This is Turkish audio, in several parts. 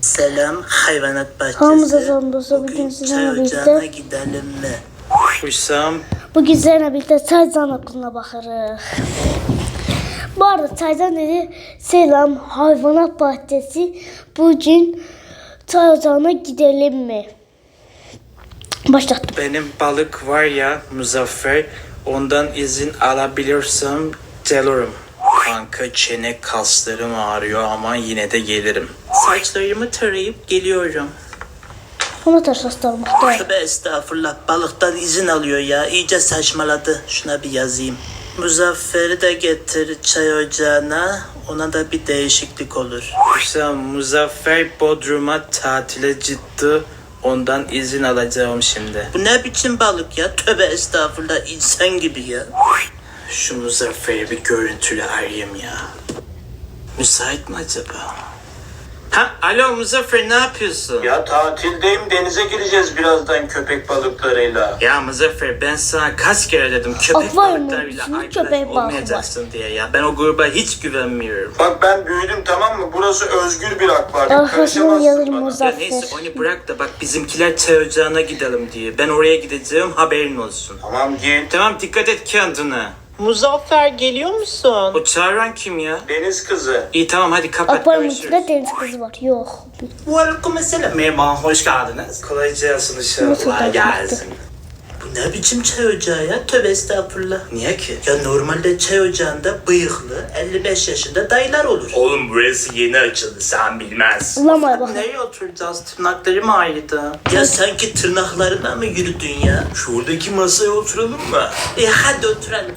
Selam hayvanat bahçesi. Hamza Zondosu Bugün bugün çay sizinle ocağına birlikte gidelim mi? Hüsam. bugün sizinle birlikte Taycan okuluna bakarız. Bu arada Taycan dedi selam hayvanat bahçesi bugün çay ocağına gidelim mi? Başlattım. Benim balık var ya Muzaffer. Ondan izin alabilirsem gelirim. Kanka çene kaslarım ağrıyor ama yine de gelirim. Saçlarımı tarayıp geliyorum. Ona taş astarmakta. Tövbe estağfurullah, balıktan izin alıyor ya. İyice saçmaladı. Şuna bir yazayım. Muzaffer'i de getir çay ocağına. Ona da bir değişiklik olur. Hüsam, Muzaffer Bodrum'a tatile gitti. Ondan izin alacağım şimdi. Bu ne biçim balık ya? Tövbe estağfurullah, insan gibi ya. Şu Muzaffer'i bir görüntülü arayayım ya. Müsait mi acaba? Ha, alo Muzaffer, ne yapıyorsun? Ya tatildeyim, denize gireceğiz birazdan köpek balıklarıyla. Ya Muzaffer, ben sana kaç kere dedim köpek Akvaryum balıklarıyla olsun, arkadaş köpek balığı olmayacaksın diye ya. Ben o gruba hiç güvenmiyorum. Bak ben büyüdüm, tamam mı? Burası özgür bir akvaryum. Arkasına Karışamazsın yazarım bana. Ya Muzaffer. neyse onu bırak da bak bizimkiler çay ocağına gidelim diye. Ben oraya gideceğim, haberin olsun. Tamam git. Tamam, dikkat et kendine. Muzaffer geliyor musun? O çağıran kim ya? Deniz kızı. İyi tamam, hadi kapat, Akvaryumun görüşürüz. içinde deniz kızı var. Yok. Aleykümselam. Merhaba, hoş geldiniz. Kolay gelsin inşallah. Nasıl Kolay kaçmıştı? gelsin. Bu ne biçim çay ocağı ya? Tövbe estağfurullah. Niye ki? Ya normalde çay ocağında bıyıklı 55 yaşında dayılar olur. Oğlum burası yeni açıldı, sen bilmezsin. Ulamaya bak. Nereye oturacağız? Tırnaklarım ağrıdı. Ya sanki tırnaklarına mı yürüdün ya? Şuradaki masaya oturalım mı? Hadi oturalım.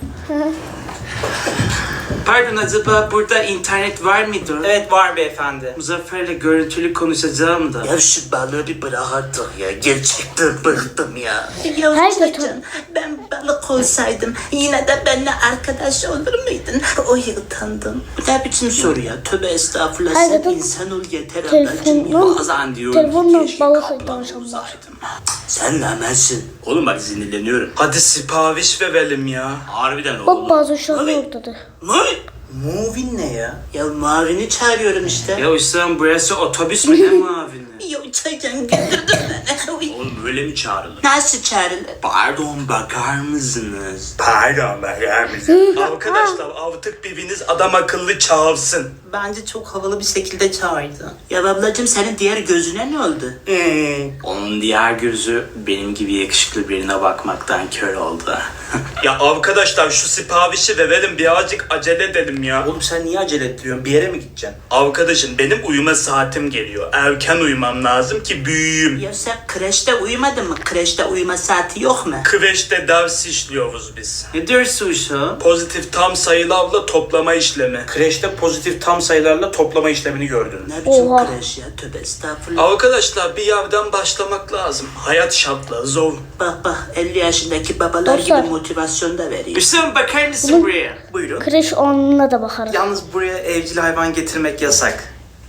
Pardon, acaba burada internet var mıdır? Evet var beyefendi. Muzaffer'le görüntülü konuşacağım da. Ya şu balığı bir bırak artık ya. Gerçekten bıktım ya. Ya Her Çaycan, götür. ben balık olsaydım yine de benimle arkadaş olur muydun? O utandım. Bu ne biçim soru ya? Tövbe estağfurullah, Her sen götür. insan ol yeter ablacım ya. Telefonla, Bazen diyorum telefonla ki keşke balık kaplan danışanlar. olsaydım. Sen namersin. Oğlum bak sinirleniyorum. Hadi sipariş verelim ya. Harbiden Bak bazı uşaklar oradadır. Ne? Movin ne ya? Ya Mavi'ni çağırıyorum işte. Ya Hüsam, burası otobüs mü, ne mavini? Ya Çaycan güldürdün beni. Uy. Oğlum böyle mi çağrılır? Nasıl çağrılır? Pardon, bakar mısınız? Pardon, bakar mısınız? Arkadaşlar artık biriniz adam akıllı çağırsın. Bence çok havalı bir şekilde çağırdı. Ya ablacım, senin diğer gözüne ne oldu? Onun diğer gözü benim gibi yakışıklı birine bakmaktan kör oldu. Ya arkadaşlar şu siparişi verelim, birazcık acele edelim ya. Oğlum sen niye acele ediyorsun? Bir yere mi gideceksin? Arkadaşım benim uyuma saatim geliyor. Erken uyumam lazım ki büyüyeyim. Ya sen kreşte uyumadın mı? Kreşte uyuma saati yok mu? Kreşte ders işliyoruz biz. Ne diyorsun şu? Pozitif tam sayılarla toplama işlemi. Kreşte pozitif tam sayılarla toplama işlemini gördün. Ne biçim Oha. kreş ya? Tövbe estağfurullah. Arkadaşlar bir yerden başlamak lazım. Hayat şartları zor. Bak bak, 50 yaşındaki babalar Dostlar. gibi motivasyon da veriyor. Hüsam, bakar mısın buraya? Buyurun. Kreş onunla da bakarız. Yalnız buraya evcil hayvan getirmek yasak.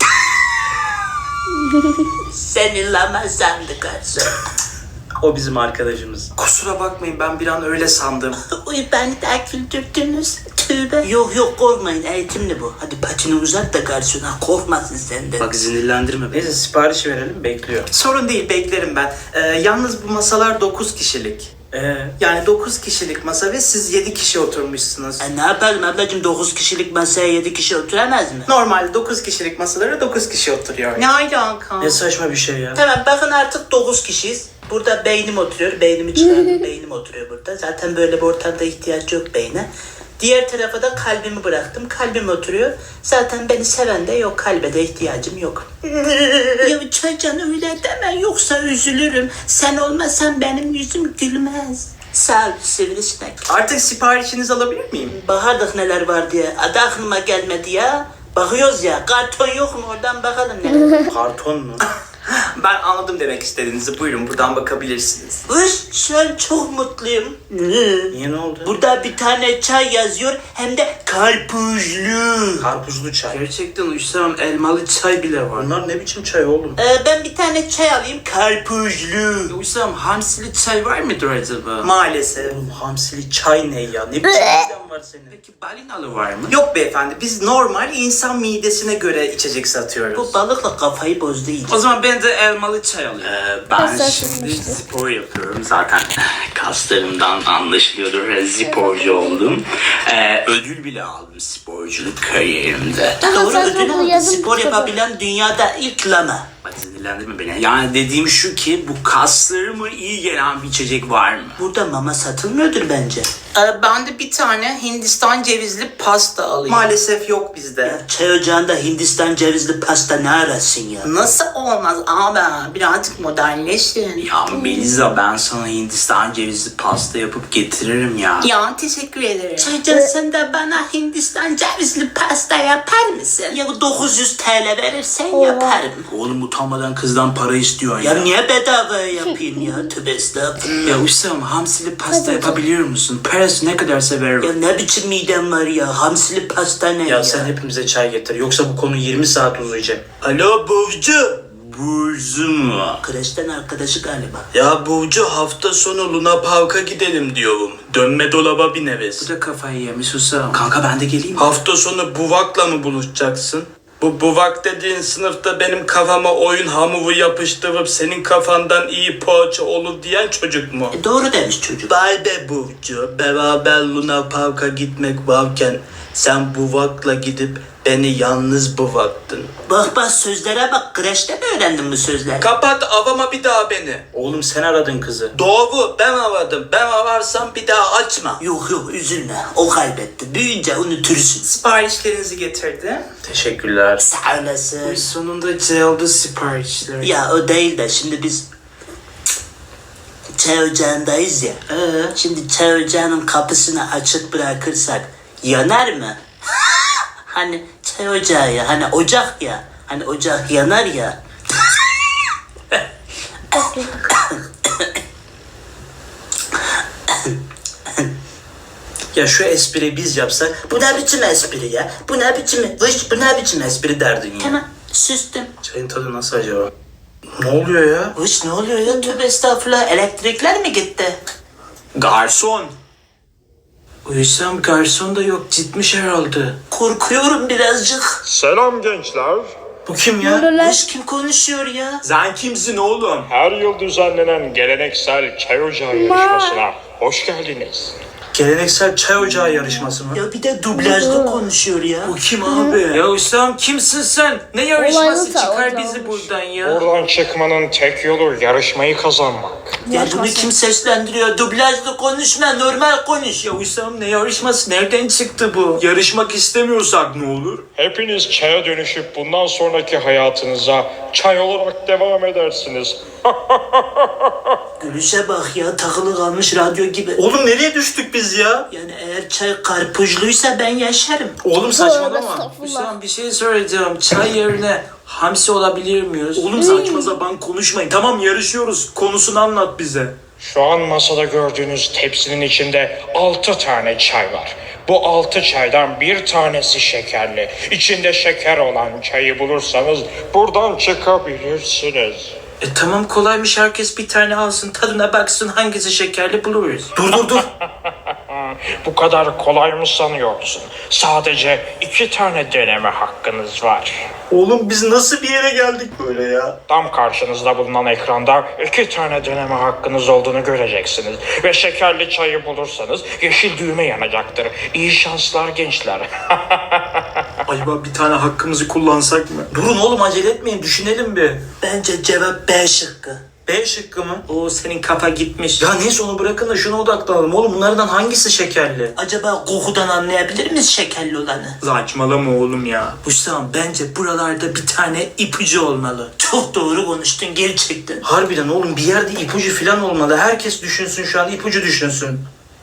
Seni lama sandı garson. O bizim arkadaşımız. Kusura bakmayın, ben bir an öyle sandım. Uy, beni de güldürdünüz. Tövbe. Yok yok, korkmayın, eğitimli bu. Hadi patini uzat da garsona korkmasın senden. Bak sinirlendirme beni. Neyse sipariş verelim, bekliyor. Sorun değil, beklerim ben. Yalnız bu masalar 9 kişilik. Yani 9 kişilik masa ve siz 7 kişi oturmuşsunuz. Ne yapalım ablacım, 9 kişilik masaya 7 kişi oturamaz mı? Normalde 9 kişilik masalara 9 kişi oturuyor. Ne alaka? Ne saçma bir şey ya. Tamam, bakın artık 9 kişiyiz. Burada beynim oturuyor. Beynimi çıkardım. Beynim oturuyor burada. Zaten böyle bir ortamda ihtiyaç yok beyne. Diğer tarafa da kalbimi bıraktım. Kalbim oturuyor. Zaten beni seven de yok. Kalbe de ihtiyacım yok. Ya Çaycan, öyle deme. Yoksa üzülürüm. Sen olmasan benim yüzüm gülmez. Sağ ol sivrisinek. Artık siparişinizi alabilir miyim? Bakardık neler var diye. Adı aklıma gelmedi ya. Bakıyoruz ya. Karton yok mu? Oradan bakalım neler var. Karton mu? Ben anladım demek istediğinizi. Buyurun, buradan bakabilirsiniz. Üş, şu an çok mutluyum. Niye, ne oldu? Burada bir tane çay yazıyor, hem de karpuzlu. Karpuzlu çay. Gerçekten Hüsam, elmalı çay bile var. Bunlar ne biçim çay oğlum? Ben bir tane çay alayım, karpuzlu. Hüsam, hamsili çay var mıdır acaba? Maalesef. Oğlum hamsili çay ne ya? Ne biçim çaydan var senin? Peki balinalı var mı? Yok beyefendi, biz normal insan midesine göre içecek satıyoruz. Bu balıkla kafayı bozdu iyice. O zaman ben de elmalı çay alayım. Ben Kaslar şimdi sızmıştı. spor yapıyorum zaten. Kaslarımdan anlaşılıyordur. Sporcu oldum. Ödül bile aldım sporculuk kariyerimde. Doğru sen ödül bunu aldı. yazın Spor kitabı. yapabilen dünyada ilk lama. Bak sinirlendirme beni. Yani dediğim şu ki bu kaslarıma iyi gelen bir içecek var mı? Burada mama satılmıyordur bence. Ben de bir tane Hindistan cevizli pasta alayım. Maalesef yok bizde. Çay ocağında Hindistan cevizli pasta ne arasın ya? Nasıl olmaz abi? Birazcık modernleşin. Ya Melisa, ben sana Hindistan cevizli pasta yapıp getiririm ya. Ya teşekkür ederim. Çaycan sen de bana Hindistan cevizli pasta yapar mısın? Ya 900 TL verirsen yaparım. Oğlum utanmadan kızdan para istiyorsun Ya niye bedava yapayım ya? Tövbe estağfurullah. Ya Hüsam, hamsili pasta yapabiliyor musun? Parası ne kadarsa veririm. Ya ne biçim midem var ya? Hamsili pasta ne ya? Ya sen hepimize çay getir. Yoksa bu konu 20 saat uzayacak. Alo Burcu. Burcu mu? Kreşten arkadaşı galiba. Ya Burcu, hafta sonu Luna Park'a gidelim diyorum. Dönme dolaba bir neves. Bu da kafayı yemiş Hüsam. Kanka ben de geleyim. Hafta sonu Buvak'la mı buluşacaksın? Bu Buvak dediğin sınıfta benim kafama oyun hamuru yapıştırıp senin kafandan iyi poğaça olur diyen çocuk mu? Doğru demiş çocuk. Vay be Burcu, beraber Luna Park'a gitmek varken sen Buvak'la gidip beni yalnız bıraktın. Bak sözlere bak. Kreşte mi öğrendin bu sözleri? Kapat, avama bir daha beni. Oğlum sen aradın kızı. Doğru, ben aradım. Ben ararsam bir daha açma. Yok üzülme. O kaybetti. Büyüyünce unutursun. Siparişlerinizi getirdi. Teşekkürler. Sağ olasın. Sonunda geldi siparişler. Ya o değil de şimdi biz çay ocağındayız ya. Şimdi çay ocağının kapısını açık bırakırsak yanar mı? Hani çay ocağı ya. Hani ocak ya. Hani ocak yanar ya. Ya şu espri biz yapsak, bu ne biçim espri ya? Bu ne biçim, bu ne biçim espri derdin ya? Tamam sustum. Çayın tadı nasıl acaba? Ne oluyor ya? Uş ne oluyor ya? Tövbe estağfurullah. Elektrikler mi gitti? Garson. Uysam garson da yok, gitmiş herhalde. Korkuyorum birazcık. Selam gençler. Bu kim ya? Uş kim konuşuyor ya? Sen kimsin oğlum? Her yıl düzenlenen geleneksel çay ocağı yarışmasına hoş geldiniz. Geleneksel çay ocağı yarışması mı? Ya bir de dublajlı konuşuyor ya. Bu kim abi? Ya Hüsam, kimsin sen? Ne yarışması? Olaylı Çıkar çay bizi ocağı. buradan ya. Buradan çıkmanın tek yolu yarışmayı kazanmak. Ya bunu kim seslendiriyor? Dublajlı konuşma, normal konuş. Ya Hüsam, ne yarışması? Nereden çıktı bu? Yarışmak istemiyorsak ne olur? Hepiniz çaya dönüşüp bundan sonraki hayatınıza çay olarak devam edersiniz. Gülüşe bak ya, takılı kalmış radyo gibi. Oğlum nereye düştük biz ya? Yani eğer çay karpuzluysa ben yaşarım. Oğlum saçmalama. estağfurullah. Hüsam bir şey söyleyeceğim. Çay yerine hamsi olabilir miyiz? Oğlum saçma sapan konuşmayın. Tamam yarışıyoruz. Konusunu anlat bize. Şu an masada gördüğünüz tepsinin içinde 6 tane çay var. Bu 6 çaydan bir tanesi şekerli. İçinde şeker olan çayı bulursanız buradan çıkabilirsiniz. Tamam, kolaymış, herkes bir tane alsın, tadına baksın, hangisi şekerli buluruz. Dur. Bu kadar kolay mı sanıyorsun? Sadece 2 tane deneme hakkınız var. Oğlum biz nasıl bir yere geldik böyle ya? Tam karşınızda bulunan ekranda 2 tane deneme hakkınız olduğunu göreceksiniz. Ve şekerli çayı bulursanız yeşil düğme yanacaktır. İyi şanslar gençler. Acaba bir tane hakkımızı kullansak mı? Durun oğlum, acele etmeyin, düşünelim bir. Bence cevap B şıkkı. B şıkkı mı? Oo, senin kafa gitmiş. Ya neyse, onu bırakın da şuna odaklanalım. Oğlum bunlardan hangisi şekerli? Acaba kokudan anlayabilir miyiz şekerli olanı? Saçmalama oğlum ya. Hüsam, bence buralarda bir tane ipucu olmalı. Çok doğru konuştun gerçekten. Harbiden oğlum, bir yerde ipucu falan olmalı. Herkes düşünsün şu an, ipucu düşünsün.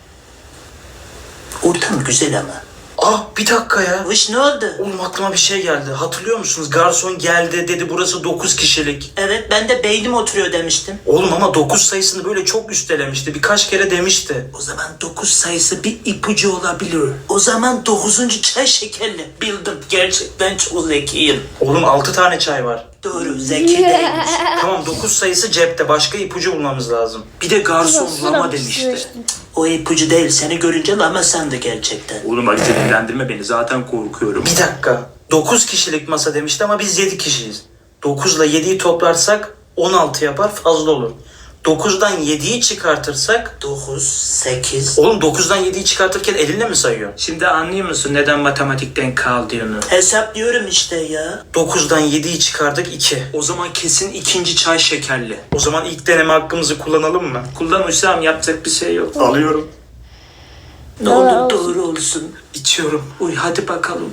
Ortam güzel ama. Ah, bir dakika ya. Uş ne oldu? Oğlum aklıma bir şey geldi. Hatırlıyor musunuz? Garson geldi dedi, burası 9 kişilik. Evet, ben de beynim oturuyor demiştim. Oğlum ama 9 sayısını böyle çok üstelemişti. Birkaç kere demişti. O zaman 9 sayısı bir ipucu olabilir. O zaman 9. çay şekerli. Bildim. Gerçekten çok zekiyim. Oğlum 6 tane çay var. Doğru, zeki değilmiş. Tamam, 9 sayısı cepte. Başka ipucu bulmamız lazım. Bir de garson lama demişti. O ipucu değil. Seni görünce lama sandı gerçekten. Oğlum hadi sinirlendirme beni, zaten korkuyorum. Bir dakika. 9 kişilik masa demişti ama biz 7 kişiyiz. 9 ile 7'yi toplarsak 16 yapar, fazla olur. 9'dan 7'yi çıkartırsak 9, 8. oğlum 9'dan 7'yi çıkartırken elinle mi sayıyor? Şimdi anlıyor musun neden matematikten kaldığını? Hesaplıyorum işte ya. 9'dan 7'yi çıkardık 2. O zaman kesin ikinci çay şekerli. O zaman ilk deneme hakkımızı kullanalım mı? Kullan Hüsam, yapacak bir şey yok. Alıyorum. Ne olur doğru olsun. İçiyorum. Uy hadi bakalım.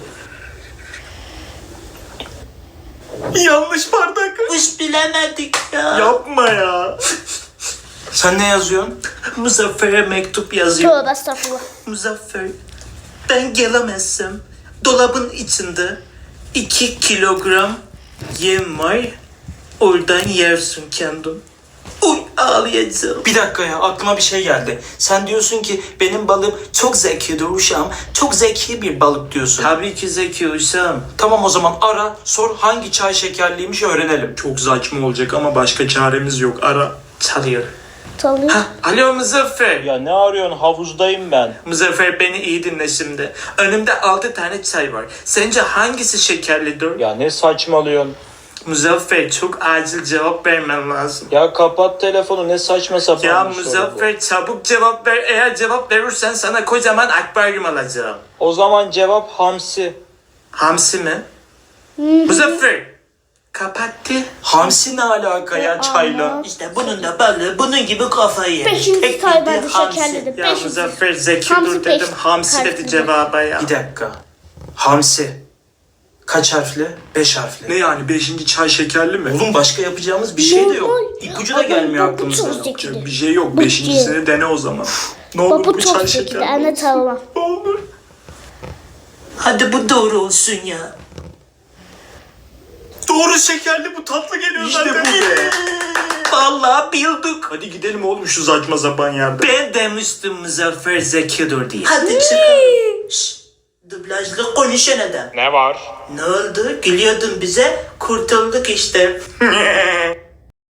Yanlış bardak. Hiç bilemedik ya. Yapma ya. Sen ne yazıyorsun? Muzaffer'e mektup yazıyor. Tövbe estağfurullah. Muzaffer, ben gelemezsem dolabın içinde 2 kilogram yem var. Oradan yersin kendin. Uy ağlayacağım. Bir dakika ya, aklıma bir şey geldi. Sen diyorsun ki benim balığım çok zekidir uşağım. Çok zeki bir balık diyorsun. Tabii ki zeki uşağım. Tamam, o zaman ara, sor hangi çay şekerliymiş öğrenelim. Çok saçma olacak ama başka çaremiz yok. Ara. Çalıyor. Çalıyor. Alo Muzaffer. Ya ne arıyorsun? Havuzdayım ben. Muzaffer beni iyi dinle şimdi. Önümde 6 tane çay var. Sence hangisi şekerlidir? Ya ne saçmalıyorsun? Muzaffer çok acil cevap vermen lazım. Ya kapat telefonu, ne saçma sapan Ya bir soru bu. Muzaffer çabuk cevap ver. Eğer cevap verirsen sana kocaman akvaryum alacağım. O zaman cevap hamsi. Hamsi mi? Muzaffer. Kapattı. Hamsi ne alaka ya çayla? İşte bunun da balığı bunun gibi kafayı yemiş. Beşinci Tek çay bildiği bence hamsi. şekerlidir. Ya Beşinci. Muzaffer zeki Hamsi dur dedim. beş Hamsi dedi harfli. cevaba ya. Bir dakika. Hamsi. Kaç harfli? 5 harfli. Ne yani 5. çay şekerli mi? Oğlum başka yapacağımız bir şey de yok. Normal. İpucu da gelmiyor Ama bu aklımıza. çok zeki. Bir şey yok. Bu 5.sini dene o zaman. Ne olur Baba bir çok çay zeki. şekerli Anne olsun. tamam. Ne olur. Hadi bu doğru olsun ya. Doğru, şekerli, bu tatlı geliyor İşte zaten. bu be. Vallahi bildik. Hadi gidelim oğlum şu saçma sapan yerde. Ben demiştim Muzaffer zekidir diye. Hadi çıkalım. Şşş. Dublajlı konuşan adam. Ne var? Ne oldu? Gülüyordun bize. Kurtulduk işte.